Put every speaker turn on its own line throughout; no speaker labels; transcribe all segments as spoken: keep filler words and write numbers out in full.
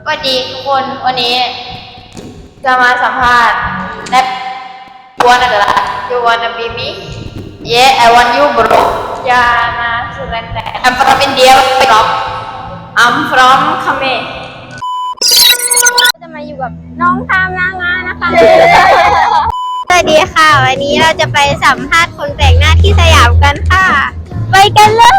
สวัสดีทุกคนวันนี้จะมาสัมภาษณ์แรปกวนอะไรล่ะ You wanna be me? Yeah, I want you, bro. ยานาสุรันแต่ I'm from India. I'm from Khmer.
จะมาอยู่กับน้องตามนางงานนะคะ สวัสดีค่ะ วันนี้เราจะไปสัมภาษณ์คนแปลกหน้าที่สยามกันค่ะ ไปกันเลย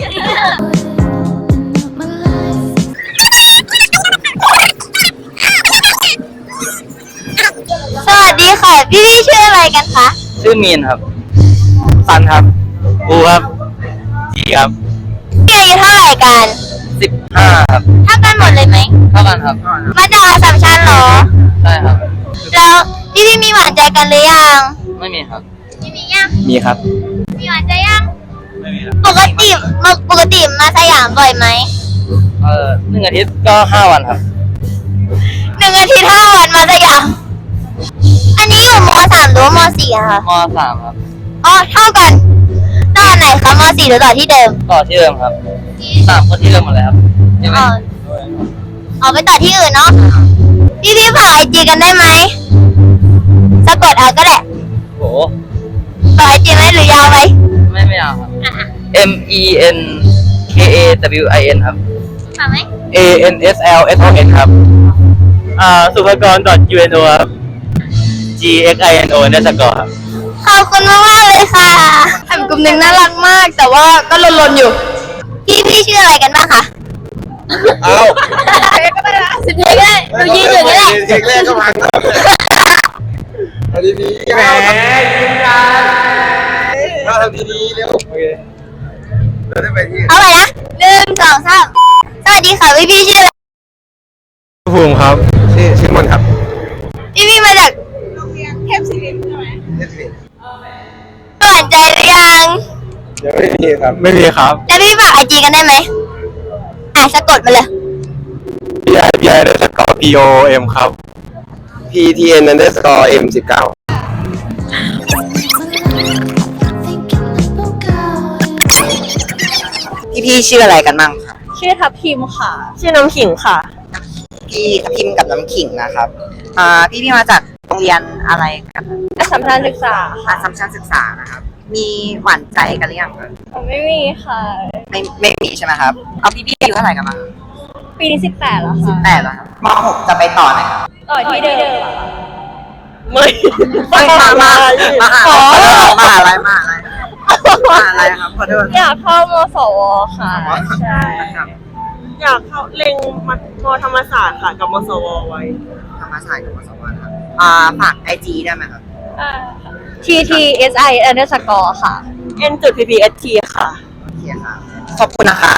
สวัสดีค่ะ พี่พี่ชื่ออะไรกันคะ
ชื่อมีนครับซันครับอูครับจีครับ
พี่อายุเท่าไหร่กัน
สิบห้าครับ
เท่ากันหมดเลยไหม
เท่ากันครับ
มาจากอัสสัมชัญเหรอ
ใช่ครับ
แล้วพี่พี่มีหวานใจกันหรือยัง
ไม่มีครับ
มีมียัง
มีครับ
มีหวานใจยัง
ไม่มีครับ
ปกติปกติมาสยามบ่อยไหม
เออหนึ่งอาทิตย์ก็ห้าวันครับ
หนึ่งอาทิตย์ห้าวันมาสยาม อันนี้อยู่มสามหรือว่ามสี่อะคะ
มสามครับ
อ๋อเท่ากันต่อไหนคะมสี่หรือต่อที่เดิม
ต่อที่เดิมครับสามก็ที่เดิมหมดเลยครับใช่ไหม
อ๋ออ๋อไปต่อที่อื่นเนาะ พี่พี่ฝากไอจีกันได้ไหมสะกดเอาก็ได้
โห
ฝากไอจีไหมหรือยาวไหม
ไม่ไม่เอาครับ M E N K A W I N ครับ
ฝากไหม
A N S L S O N ครับอ่าสุภกร .U N O ครับ G X I N O เนี่ยสกอร์ครับ
ขอบคุณมากมากๆเลยค่ะ
ทำกลุ่มหนึ่งน่ารักมาก แต่ว่าก็ลนๆอยู่
พี่พี่ชื่ออะไรกันบ้างคะ
เอา
เด็กก็ได้นะสิบเด็กก็ได้ดูยืนอยู่ก็ได้
เด็กแรกก็พังเอาดีๆแหมยิ้มกันเราทำดีๆเร็วโอเคเราได้ไปที่
เอาไปนะหนึ่งสองสามสวัสดีค่ะพี่พี่ชื่ออะไร
ภูมิครับชื่อชื่อมนครับ
พี่พี่มาจาก
เทพศิรินทร์
หวานใจหรือยัง
ยังไม่มีครับไม่มีครับ
แล้วพี่ฝากไอจีกันได้ไหมอ่ะสะกดมาเลย
P I P I underscore P O M ครับ P T N underscore M สิบเก้า
พี่พี่ชื่ออะไรกันบ้างครับ
ชื่อทับทิมค่ะ
ชื่อน้ำขิงค่ะ
พี่ทัพทิมกับน้ำขิงนะครับ อ่า พี่พี่มาจากโรงเรียนอะไรกัน
อัสสัมชัญศึกษา
อาสัมชัญศึกษานะครับ มีหวานใจกันหรือยังครับ
ไม่มีค่ะ
ไม่ไม่มีใช่ไหมครับ เอาพี่พี่อายุเท่าไหร่กันบ้าง
ปีนี้สิบแปดแล้ว
สิบ
ค่ะ
แปดแล้วครับมหกจะไปต่อไหนครับ
ต่อที่เดิม
ไม่
ไม่มามามา
ขอ
มาอะไรมาอะไรมาอะไรครับขอโทษ
อยากเข้ามสวค่ะ ใช่
ครับ
อยากเข้าเล็งมมธรรมศาสตร์ค่ะ กับมสวไว้
ธรรมศาสตร์กับมสวครับ อ่า ฝากไอจีได้ไหมครับ
T T S I underscore ค่ะ
N จุด P P S T ค่ะ
โอเคครับ ขอบคุณนะครับ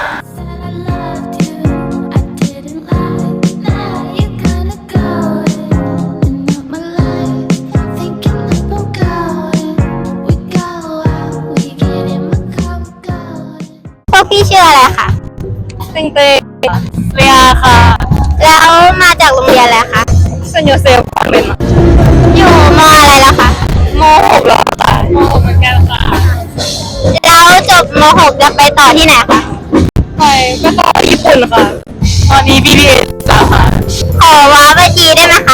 พวกพี่ชื่ออะไรคะ
เต็งเตง
เรียค่ะ
แล้วมาจากโรงเรียนอะไรคะ
เซนโยเซฟเป็น
อยู่มอะไรแล้วคะ
มหกแล้วค่ะมหกเหมือนกันค่ะ
แล้วจบมหกจะไปต่อที่ไหนคะ
ไปก็ต่อญี่ปุ่นค่ะ ตอนนี้ B B A แล้วค่ะ
ขอว้าไปจีได้ไหมคะ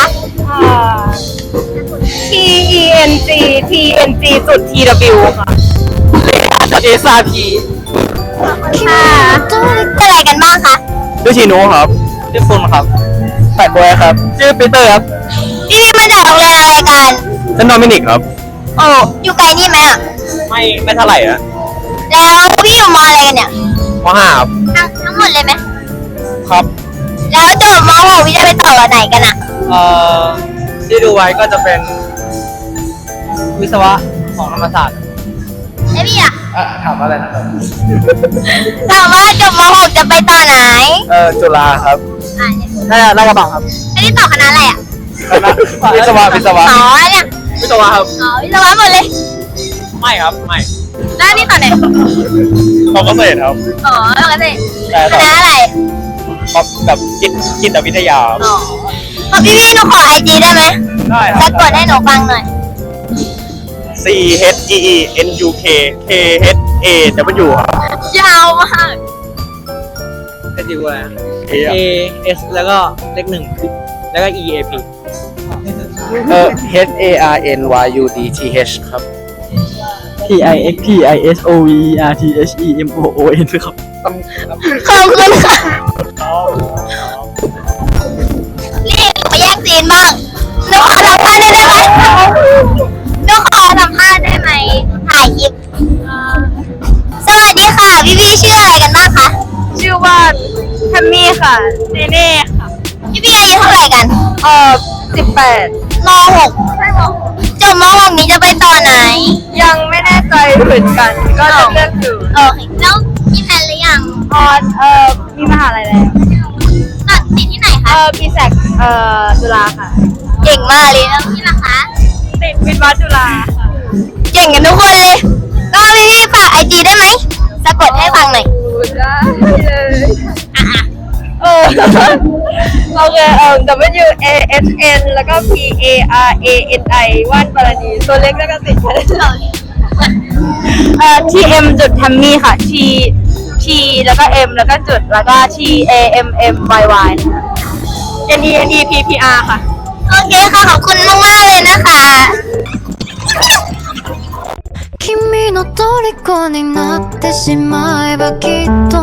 T E N G T N G จุด T W ค่ะ
S R P
ค่ะชื่ออะไรกันบ้างคะ
ชื่อชินุครับ ชื่อฟุนครับแปดบอยครับ ชื่อปีเตอร์ครับ
พี่พี่มาจากโรงเรียนอะไรกัน
ชื่อโดมินิกครับ
โอ้อยู่ไกลนี่ไหมอ่ะ
ไม่ไม่เท่าไหร่นะ
แล้วพี่อยู่มอะไรกันเนี่ย
มห้าครับ
ทั้งทั้งหมดเลยไหม
ครับ
แล้วจบมหกพี่จะไปต่อกับไหนกันอ่ะ
เอ่อที่ดูไว้ก็จะเป็น วิศวะของธรรมศาสตร์
แล้วพี่อ่ะ
อ่ะถามอะไรนะครับ
ถามว่าจบมหกจะไปต่อไหน
เอ่อจุฬาครับ
อ่าเนี่ย
น่าจะน่าจะบังครับ
อันนี้ต่อคณะอะไรอ่ะ
คณะวิศวะวิศวะ
อ๋อเนี่ย
วิศวะครับ
อ๋อวิศวะหมดเลย
ไม่ครับไม่
แล้วอันนี่ต่อไหน
เขาเกษตรครับ
อ๋อแล้วกันสิ
แต่
ค
ต่อ
ณะอะไร
แบบจิตจิตวิทยา
อ๋อพอพี่พี่หนูขอไอจีได้ไหม
ได้ค
สะ
รับ
กดให้หนูฟังหน่อย
C H G E N U K K H A W ครับ
ยาวมาก
แต่
ติวอะไร A S แล้วก็เลขหนึ่งแล้วก็ E A P
เออ H A R N Y U D T H ครับ
P I X P I S O V E R T H E M O O N ครับ
ขอบคุณค่ะนี่หนูมาแย่งซีนบ้างหนูขอสัมภาษณ์ได้ไหมหนูขอสัมภาษณ์ได้ไหมถ่ายคลิปสวัสดีค่ะ พี่พี่ชื่ออะไรกันบ้างคะ
ชื่อว่าแทมมี่ค่ะเนเน่ค่ะ
พี่พี่อายุเท่าไหร่กัน
เอ่อสิบแปด
มหกจบมหกนี้จะไปต่อไหน
ยังไม่แน่ใจเหมือนกัน ก็จะเลือกอยู่
โอเคแล้วมีแผนหรือยัง
ออนเอ่อมีมหาลัยแล้ว
ตัดสินที่ไหน
เอ่
คะ
อปีแสกเอ่อจุฬาค่ะ
เก่งมากเลยแล้วพี่ล่ะคะ
ติดวิทย์วัดจุฬาค่ะ
เก่งกันทุกคนเลย ก็พี่พี่ฝากไอจีได้ไหมสะกดให้ฟังหน่อย
ได้เลยเออโอเคเอ่อ W A S N แล้วก็ P A R A N I ว่านปราณีตัวเล็กแล้วก็ติดแค่เอ่อ T M จุดทัมมี่ค่ะ T T แล้วก็ M แล้วก็จุดแล้วก็ T A M M Y Y N E N E P P R ค่ะ
โอเคค่ะ ขอบคุณมากมากๆเลยนะคะ
君の虜になってしまえばきっと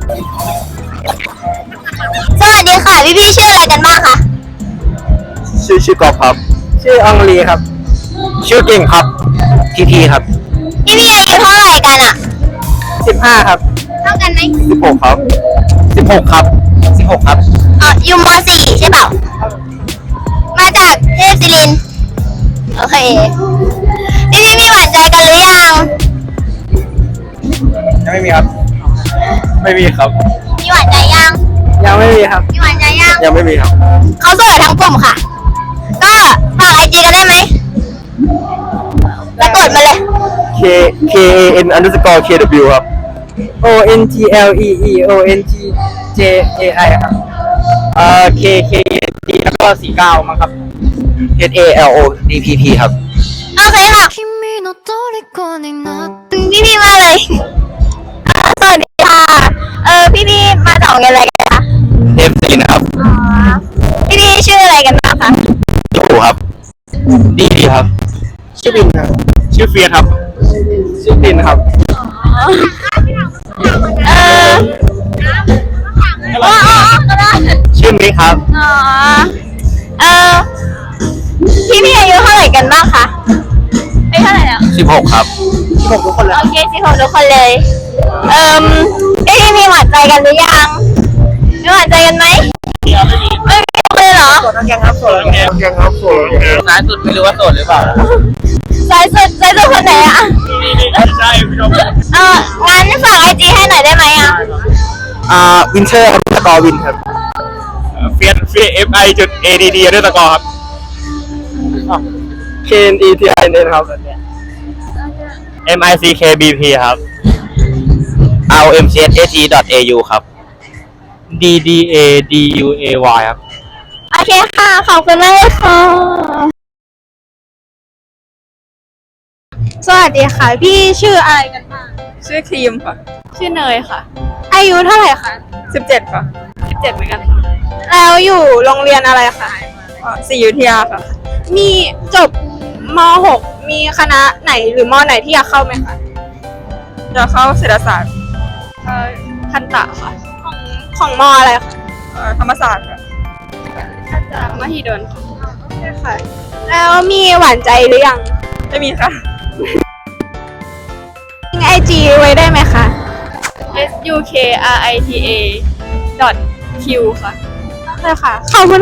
สวัสดีค่ะ พี่พี่ชื่ออะไรกันบ้างคะ
ชื่อชื่อกอล์ฟครับ ชื่ออังลีครับ ชื่อเก่งครับพีพีครับ
พี่พี่อายุเท่าไหร่กันอะ
สิบห้าครับ
เท่ากันไหม
สิบหกครับสิบหกครับสิบหกครับ
อ๋ออยู่มสี่ใช่เปล่า มาจากเทพศิรินทร์โอเค พี่พี่มีหวานใจกันหรือยัง
ยังไม่มีครับ ไม่มีครับ
มีหวานใจยัง
ยังไม่มีครับ
มีหวานใจยัง
ยังไม่มีครับ
เขาโสดทั้งกลุ่มค่ะ ก็ฝากไอจีกันได้ไหมแล้วกดมาเลย
K K A N underscore K W ครับ
O N G L E E O N G J A I ครับ
เอ่อ K K D แล้วก็สี่เก้ามั้งครับ H A L O D P P ครับ
โอเคค่ะ
君の虜になって
พี่พี่มาเลยอ่าสวัสดีค่ะ เออพี่พี่มาจากโรงเรียนอะไรกันคะ
เอฟซีนะครับ
อ๋อ พี่พี่ชื่ออะไรกันบ้างคะ
จูครับ ดีดีครับ ชื่อบินครับ ชื่อเฟียสครับ ชื่อบินครับ
เอออ๋ออ๋ออ๋อก็ได้
ชื่อมิกครับ
อ๋อ เออพี่พี่อายุเท่าไหร่กันบ้างคะอายุเท่าไหร่แล้ว
สิบหกครับ
สิบหกทุกคนเลย
โอเคสิผมทุกคนเลย เอ่มเอ้ยมีหวานใจกันหรือยังมีหวานใจกันไหมไม่มีเลยเหรอ
โสดทั้งแกงครับโสดทั้งแกง
แกงครับผม
ซ้ายสุดไม่รู้ว่าโสดหรือเปล่า
สายสุดสายสุดคนไหนอะใช่เอองั้นฝากไอจีให้หน่อยได้ไหมอะ
อ่าวินเทอร์สกอร์วินครับ
เฟียสเฟีย F I จุด A D D ด้วยตะกอครับ
K N E T I N ครับ
M I C K B P ครับ
R M C S A T dot A U ครับ
D D A D U A Y ครับ
โอเคค่ะ ขอบคุณมากเลยค่ะ
สวัสดีค่ะ พี่ชื่ออะไรกันบ้างชื่อครีมค่ะ ชื่อเนยค่ะ อายุเท่าไหร่คะสิบเจ็ดค่ะสิบเจ็ดเหมือนกันค่ะแล้วอยู่โรงเรียนอะไรคะศรีอยุธยาค่ะ มีจบม หก มีคณะไหนหรือม ไหนที่อยากเข้าไหมคะอยากเข้าเศรษฐศาสตร์เอ่อทันตะค่ะ ของของมอะไรคะเอ่อธรรมศาสตร์ค่ะจากมหิดลค่ะ แล้วมีหวานใจหรือยังไม่มีค่ะ ทิ้งไอจีไว้ได้ไหมคะ S U K R I T A dot Q ค่ะใช่ค่ะ ขอบคุณ